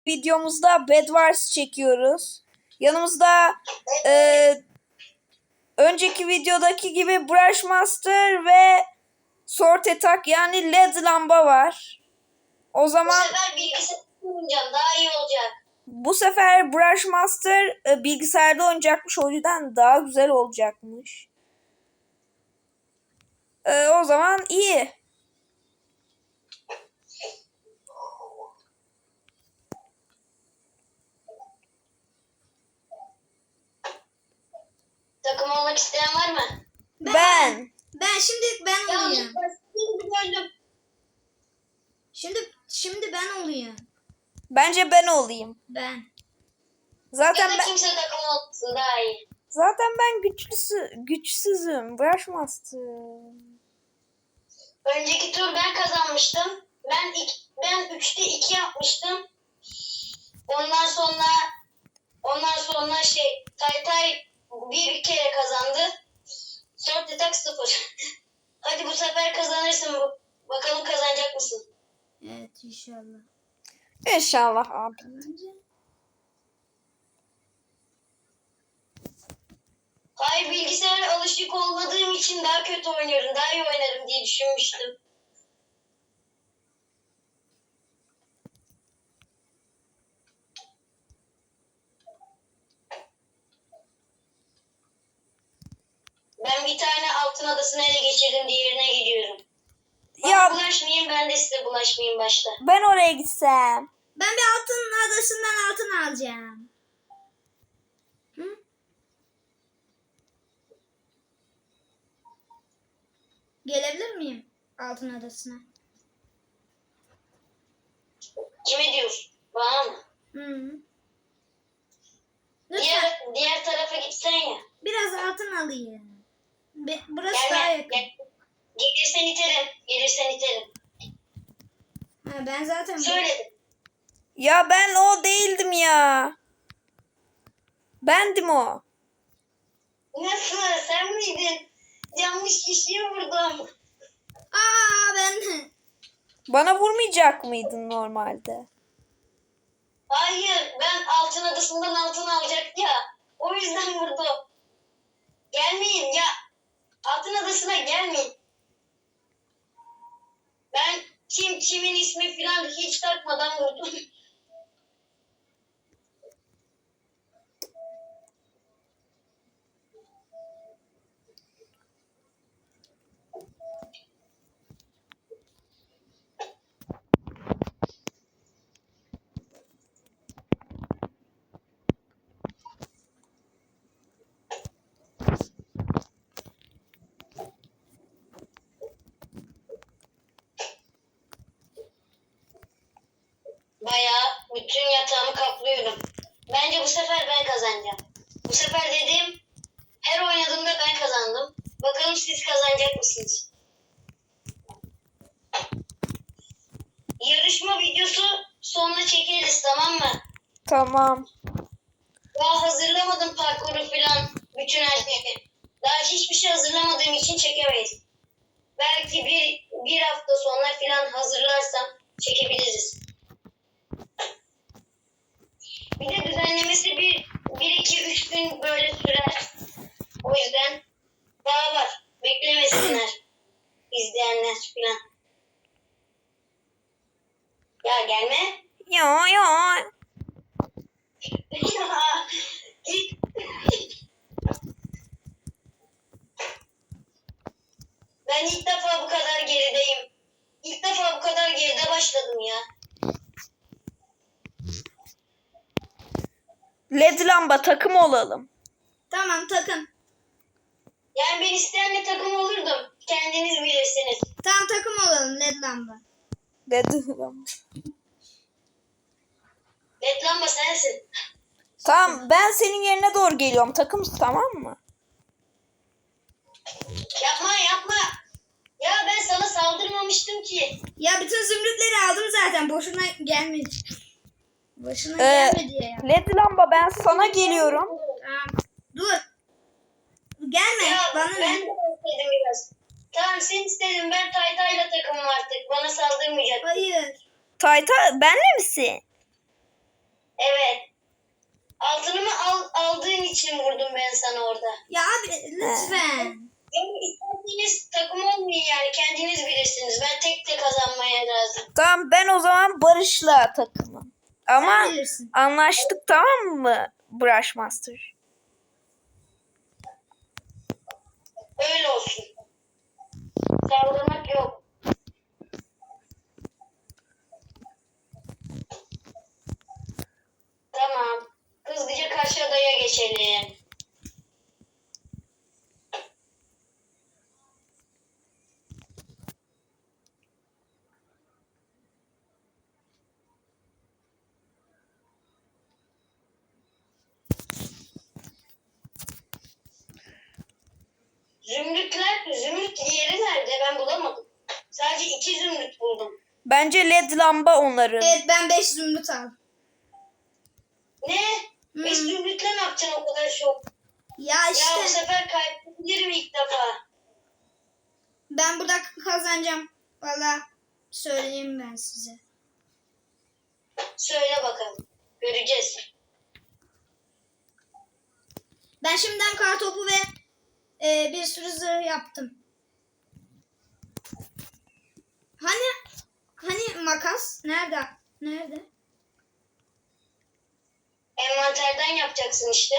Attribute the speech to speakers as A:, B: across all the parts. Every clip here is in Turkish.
A: videomuzda Bed Wars çekiyoruz. Yanımızda önceki videodaki gibi Brush Master ve Sword Attack yani LED lamba var. O zaman
B: Bu sefer bilgisayarda oynayacağım, daha iyi olacak.
A: bu sefer Brush Master bilgisayarda oynayacakmış, o yüzden daha güzel olacakmış. O zaman iyi.
B: Takım olmak isteyen var mı?
A: Ben.
C: Ben olayım.
B: Gördüm.
C: Şimdi ben olayım.
A: Bence ben olayım.
C: Ben.
A: Zaten
B: Ya da
A: ben
B: kimse takım olmasın, daha iyi.
A: güçsüzüm. Brush Master.
B: Önceki tur ben kazanmıştım. Ben 3'te 2 yapmıştım. Ondan sonra Taytay bir kere kazandı. Sword Attack 0. Hadi bu sefer kazanırsın. Bakalım kazanacak mısın?
C: Evet inşallah.
A: İnşallah abi.
B: Hayır, bilgisayara alışık olmadığım için daha kötü oynuyorum. Daha iyi oynarım diye düşünmüştüm. Ben bir tane altın adasını ele geçirdim, diğerine gidiyorum.
A: Ya
B: Bulaşmayayım, ben de size bulaşmayayım başta.
A: ben oraya gitsem.
C: Ben bir altın adasından altın alacağım. Hı? Gelebilir miyim altın adasına?
B: Kime diyorsun? Bana mı?
C: Hı. Lütfen
B: Diğer tarafa gitsen ya.
C: biraz altın alayım. Burası
B: Gelme.
C: daha yakın.
B: Gelirsen iterim. Gelirsen iterim.
C: Ha, ben zaten
B: Söyledim.
A: Ya ben o değildim ya. Bendim o.
B: Nasıl? Sen miydin? Yanlış kişiyi vurdum.
C: ben
A: Bana vurmayacak mıydın normalde?
B: Hayır. Ben altın adasından altın alacak ya. O yüzden vurdum. Gelmeyin ya. Altın adasına gelmeyin. Ben kimin ismi falan hiç takmadan vurdum. Bayağı bütün yatağımı kaplıyorum. Bence bu sefer ben kazanacağım. Bu sefer dediğim her oynadığımda ben kazandım. Bakalım siz kazanacak mısınız? Yarışma videosu sonra çekeriz, tamam mı?
A: Tamam.
B: Daha hazırlamadım parkuru falan, bütün her şeyi. Daha hiçbir şey hazırlamadığım için çekemeyiz. Belki bir hafta sonra falan hazırlarsam çekebiliriz. Bir de düzenlemesi bir iki üç gün böyle sürer. O yüzden daha var. Beklemesinler izleyenler falan. Ya gelme.
A: Ya.
B: Ya, git. Ben ilk defa bu kadar gerideyim. İlk defa bu kadar geride başladım ya.
A: LED lamba takım olalım.
C: tamam takım.
B: Yani ben isteyenle takım olurdum. Kendiniz bilirsiniz.
C: Tamam takım olalım led lamba.
A: LED lamba.
B: Led lamba sensin.
A: Tamam, ben senin yerine doğru geliyorum. Takımız, tamam mı?
B: Yapma. Ya ben sana saldırmamıştım ki.
C: Ya bütün zümrütleri aldım zaten. Boşuna gelmedi. Boşuna gelmedi ya.
A: LED lamba, ben sana geliyorum.
C: Tamam. Dur. Gelme.
B: Ya
C: Bana
B: ben
C: ne?
B: de istedim biraz. Tamam, sen istedin, ben Taytay'la takımım artık. Bana saldırmayacak.
C: Hayır.
A: Tayta benle misin?
B: Evet. Altınımı aldığın için vurdum ben sana orada.
C: Ya abi lütfen.
B: Yani isterseniz takım olmayın yani kendiniz bilirsiniz. Ben tek de kazanmaya lazım.
A: Tamam ben o zaman Barış'la takımım. Ama
C: Sen bilirsin.
A: anlaştık tamam mı Brushmaster?
B: Öyle olsun. Saldırmak yok. Tamam. Hızlıca karşı adaya geçelim. Zümrüt yeri nerede? Ben bulamadım. Sadece 2 zümrüt buldum.
A: Bence led lamba onların.
C: Evet ben 5 zümrüt aldım.
B: Ne? 5 zümrütle ne yapacaksın o kadar çok?
C: Ya
B: Ya bu
C: işte
B: sefer kaybedebilirim ilk defa.
C: ben burada kazanacağım. Valla söyleyeyim ben size.
B: Söyle bakalım. Göreceğiz.
C: Ben şimdiden kartopu ve bir sürü zırh yaptım. Hani makas? Nerede? Nerede?
B: Envanterden yapacaksın işte.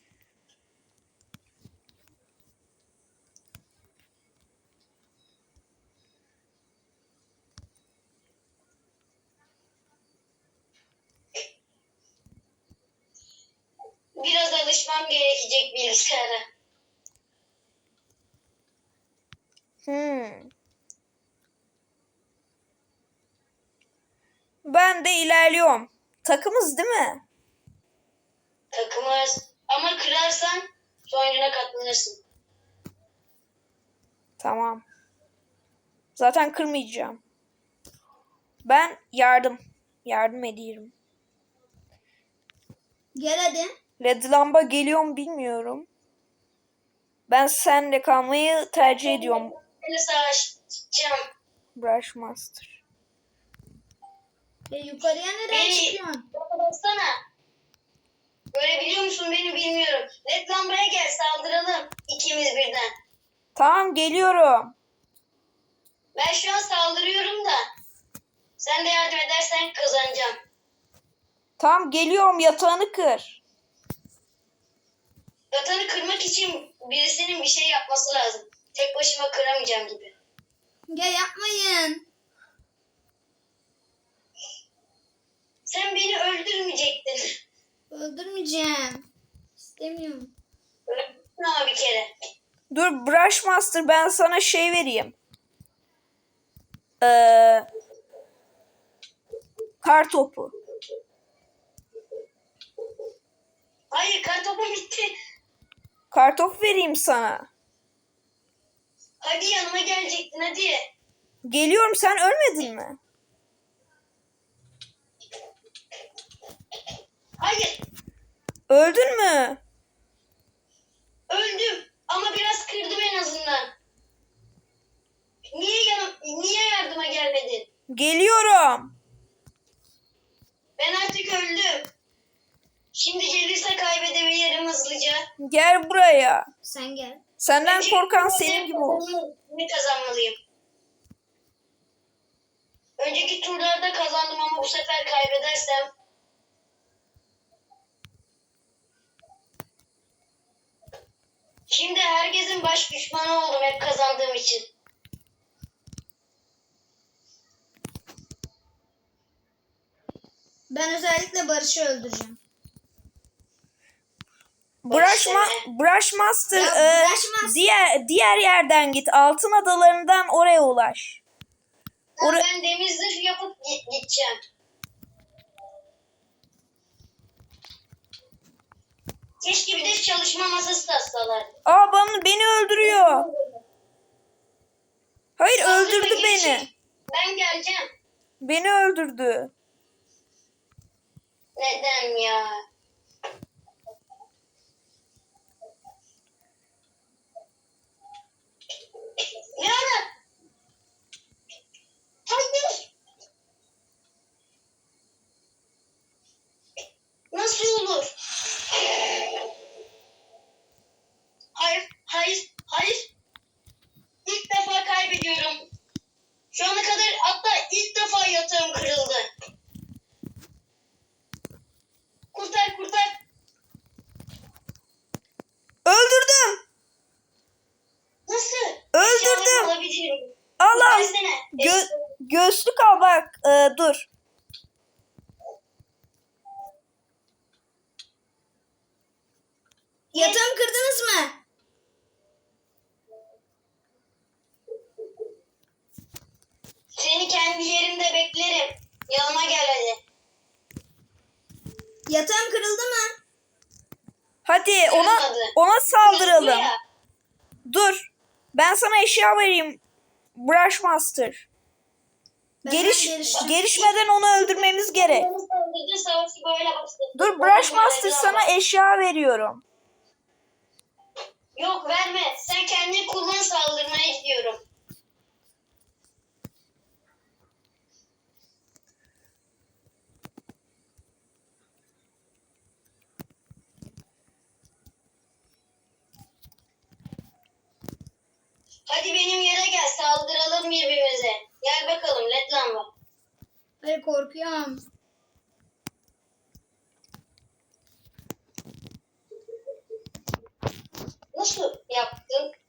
B: Biraz alışmam gerekecek bilgisayara.
A: Ben de ilerliyorum. Takımız değil mi?
B: Takımız. Ama kırarsan sonucuna katlanırsın.
A: Tamam. Zaten kırmayacağım. Ben yardım ediyorum.
C: Gel hadi.
A: Led lamba geliyor mu bilmiyorum. Ben senle kalmayı tercih ediyorum
B: Seni savaşacağım.
A: Brushmaster.
C: Yukarıya nereye
B: Beni
C: çıkıyorsun?
B: baksana. Görebiliyor musun beni bilmiyorum. Led lambaya gel saldıralım. İkimiz birden.
A: Tamam geliyorum.
B: Ben şu an saldırıyorum da. Sen de yardım edersen kazanacağım.
A: Tamam geliyorum yatağını kır.
B: Yatağını kırmak için birisinin bir şey yapması lazım. Tek başıma kıramayacağım gibi.
C: Ya yapmayın.
B: Sen beni öldürmeyecektin.
C: Öldürmeyeceğim. İstemiyorum.
B: Öldürdün ama bir kere.
A: Dur Brushmaster ben sana şey vereyim. Kar topu.
B: Hayır kartopu bitti.
A: Kar topu vereyim sana.
B: Hadi yanıma gelecektin hadi.
A: Geliyorum sen ölmedin mi?
B: Hayır
A: Öldün mü?
B: öldüm ama biraz kırdım en azından. Niye yardıma gelmedin?
A: Geliyorum.
B: Ben artık öldüm. Şimdi gelirse kaybedebilirim hızlıca.
A: Gel buraya.
C: Sen gel.
A: Senden korkan senin gibi olsun.
B: Ne kazanmalıyım? Önceki turlarda kazandım ama bu sefer kaybedersem şimdi herkesin baş düşmanı oldum hep kazandığım için.
C: Ben özellikle Barış'ı öldüreceğim.
A: Brushmaster,
C: Ya, Brushmaster.
A: diğer yerden git. Altın adalarından oraya ulaş.
B: Ben demir zırh yapıp gideceğim. Keşke bir de çalışma masası tassalar.
A: Aa beni öldürüyor. Hayır
B: Saldırma,
A: öldürdü
B: geri
A: beni.
B: çek. Ben geleceğim.
A: Beni öldürdü.
B: Neden ya? Ne ara? Hayır.
C: Yatağım kırıldı mı?
A: Hadi ona
B: Kırılmadı.
A: saldıralım.
B: Ya.
A: Dur. Ben sana eşya vereyim. Brushmaster.
C: Ben gelişeceğim.
A: Gelişmeden onu öldürmemiz gerek.
B: Saldırdı, savaşı böyle başladı.
A: Dur Brushmaster sana eşya veriyorum.
B: Yok verme. Sen kendini kullan, saldırmayı istiyorum. Hadi benim yere gel, saldıralım birbirimize. Gel bakalım led lamba.
C: Hayır korkuyorum.
B: Nasıl yaptın?